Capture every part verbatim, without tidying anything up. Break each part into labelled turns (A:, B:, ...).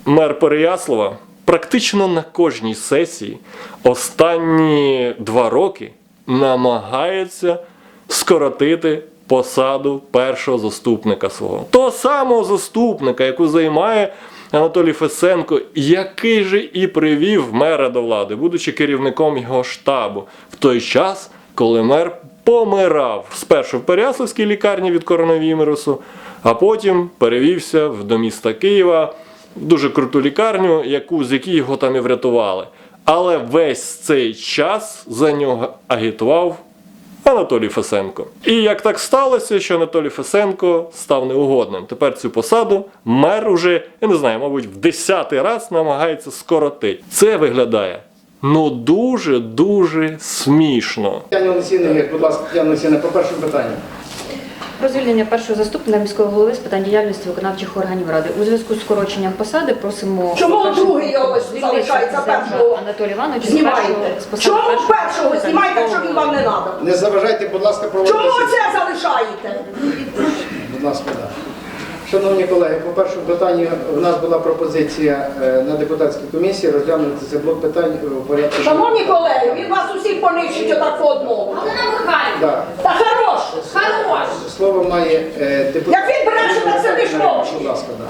A: мер Переяслава практично на кожній сесії останні два роки намагається скоротити посаду першого заступника свого. Того самого заступника, яку займає Анатолій Фесенко, який же і привів мера до влади, будучи керівником його штабу, в той час, коли мер помирав спершу в Переяславській лікарні від коронавірусу, а потім перевівся до міста Києва, в дуже круту лікарню, яку, з якої його там і врятували. Але весь цей час за нього агітував Анатолій Фесенко. І як так сталося, що Анатолій Фесенко став неугодним. Тепер цю посаду мер уже, я не знаю, мабуть, в десятий раз намагається скоротити. Це виглядає, ну, дуже-дуже смішно.
B: Тетяна Олексійовна, будь ласка, Тетяна Олексійовна, по першому питанню.
C: Про звільнення першого заступника міського голови з питань діяльності виконавчих органів ради. У зв'язку з скороченням посади просимо...
D: Чому
C: по-перше,
D: другий його
C: звільнити
D: залишається
C: Фесенка
D: першого?
C: Анатолія Івановича з
D: Знімайте.
C: першого- з посади
D: Чому
C: першого
D: першого
C: заступника
D: знімайте, якщо
C: міського
D: він вам не
C: голови?
D: треба?
B: Не заважайте, будь ласка, проводити.
D: Чому
B: сесію.
D: це залишаєте?
B: Будь ласка, так. Шановні колеги, по першому питанню у нас була пропозиція е, на депутатській комісії розглянути цей блок питань у порядку.
D: Шановні колеги, він вас усіх понищить отак по одному.
E: Галина Михайлівна,
B: Да.
D: Та хорош!
E: хорош.
B: Слово має е, депутат.
D: Як він бреше, так це лиш мовчить.
B: Будь ласка, да.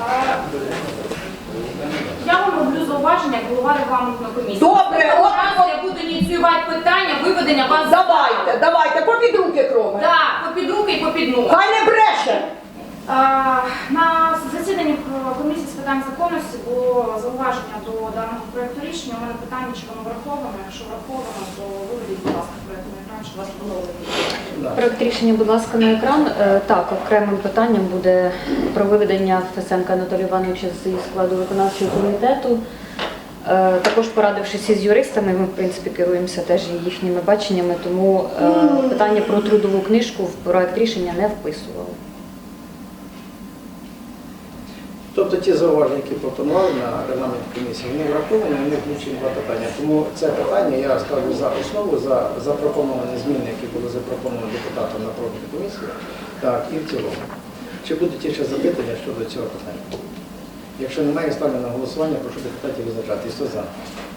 E: Я вам роблю зауваження, як голова регламентної комісії.
D: Добре,
E: Наступного
D: от-
E: разу я буду ініціювати питання виведення вас з
D: Давайте,
E: залу.
D: давайте, попід руки кроме.
E: Так, попід руки і попід ноги.
D: Хай не бреше!
E: А, На засіданні комісії з питань законності було зауваження до даного проєкту рішення. У мене питання, чи воно враховано. Якщо враховано, то виведіть, будь ласка, проєкт на екран, щоб вас було видно.
C: Проект рішення, будь ласка, на екран. Е, Так, окремим питанням буде про виведення Фесенка Анатолія Івановича з складу виконавчого комітету. Е, Також порадившись із юристами, ми, в принципі, керуємося теж їхніми баченнями, тому е, питання про трудову книжку в проект рішення не вписували.
B: Тобто ті зауваження, які пропонували на регламентній комісії, вони враховані, вони включені два питання. Тому це питання я ставлю за основу, за запропоновані зміни, які були запропоновані депутатом на профільній комісії, так, і в цілому. Чи будуть ще запитання щодо цього питання? Якщо немає, ставлю на голосування, прошу депутатів визначати. Хто за?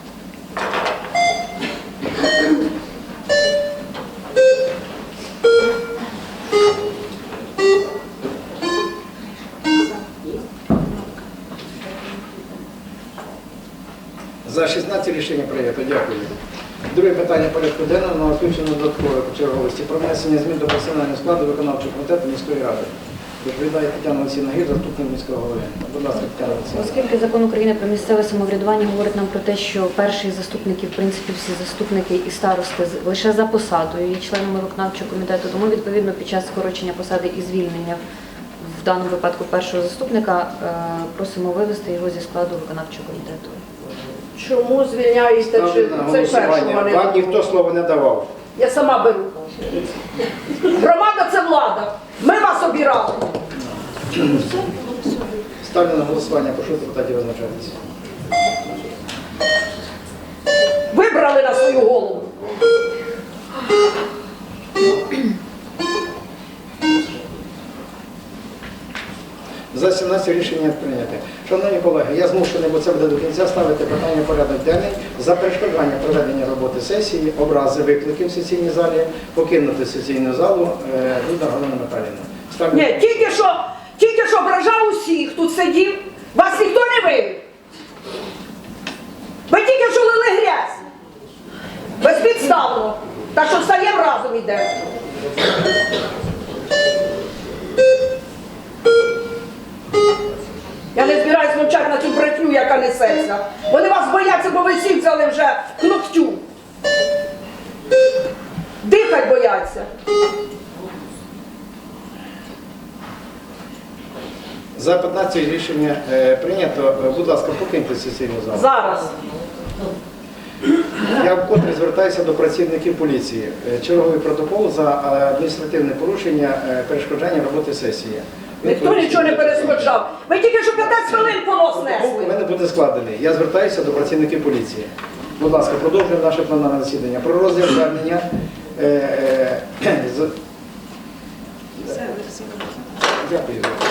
B: За шістнадцять рішення прийнято. Дякую. Друге питання порядку денного на включення додаткової черговості про внесення змін до персонального складу виконавчого комітету міської ради. Доповідає Тетяна Олексійовна Гір, заступник міського голови. Будь ласка, Тетяна Олексійовна.
C: Оскільки закон України про місцеве самоврядування говорить нам про те, що перші заступники, в принципі, всі заступники і старости з- лише за посадою є членами виконавчого комітету, тому відповідно під час скорочення посади і звільнення в даному випадку першого заступника е, просимо вивести його зі складу виконавчого комітету.
D: Чому звільняєте?
B: Ставлю
D: Чи
B: на
D: це першого
B: голосування.
D: не
B: Вам ніхто слова не давав.
D: Я сама беру. Громада – це влада. Ми вас обирали.
B: Ставлю на голосування, прошу депутатів визначатися.
D: Вибрали на свою голову.
B: За сімнадцять рішення прийняте. Шановні колеги, я змушений, бо це буде до кінця, ставити питання в порядок денний за перешкоджання проведення роботи сесії, образи викликів в сесійній залі, покинути сесійну залу е, Дуда Галина Михайлівна. Ставлю.
D: Ні, тільки що, тільки що ображав усіх, тут сидів, вас ніхто не вивів. Ви тільки що лили грязь. Безпідставно. Так що встаємо разом йдемо. Я не збираюсь мовчати на цю братню, яка несеться. Вони вас бояться, бо ви всі взяли вже к ногтю. Дихать бояться.
B: За п'ятнадцять рішення е, прийнято. Будь ласка, покиньте сесійну залу.
D: Зараз.
B: Я вкотре звертаюся до працівників поліції. Е, Черговий протокол за е, адміністративне порушення е, перешкоджання роботи сесії.
D: Ніхто нічого не перешкоджав. Ви тільки що п'ятнадцять хвилин понос
B: У
D: несли.
B: мене буде складений. Я звертаюся до працівників поліції. Будь ласка, продовжуємо наше пленарне засідання. Про розгляд звернення. Е, е, з... Дякую.